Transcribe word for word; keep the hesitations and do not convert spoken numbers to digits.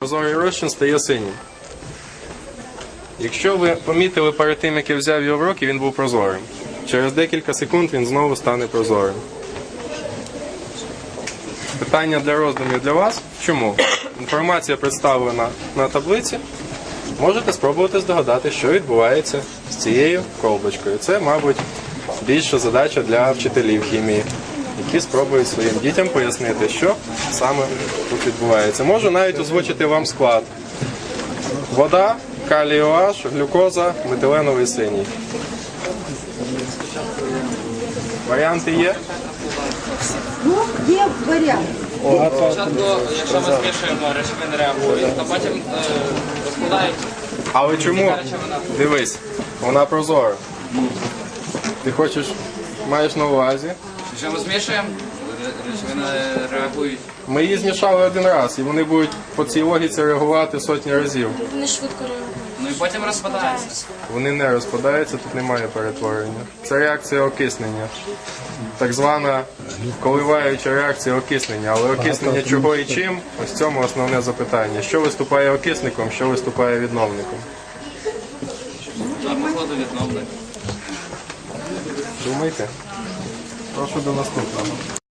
Прозорий розчин стає синім. Якщо ви помітили перед тим, як я взяв його в руки, він був прозорим. Через декілька секунд він знову стане прозорим. Питання для роздумів для вас. Чому? Інформація представлена на таблиці. Можете спробувати здогадати, що відбувається з цією колбочкою. Це, мабуть, більша задача для вчителів хімії, які спробують своїм дітям пояснити, що саме тут відбувається. Можу навіть озвучити вам склад. Вода, калій OH, глюкоза, метиленовий синій. Варіанти є? Ну, є варіант. Спочатку, якщо ми змішуємо, речовини реагують, то потім е, розкладають. Але чому? Дивись, вона прозора. Ти хочеш, маєш на увазі? Якщо ми змішуємо, речовини реагують. Ми її змішали один раз, і вони будуть по цій логіці реагувати сотні разів. Вони швидко реагують. Ну і потім розпадаються. Вони не розпадаються, тут немає перетворення. Це реакція окиснення. Так звана коливаюча реакція окиснення. Але окиснення чого і чим? Ось в цьому основне запитання. Що виступає окисником, що виступає відновником? А походу відновлення. Думайте. Прошу до наступного.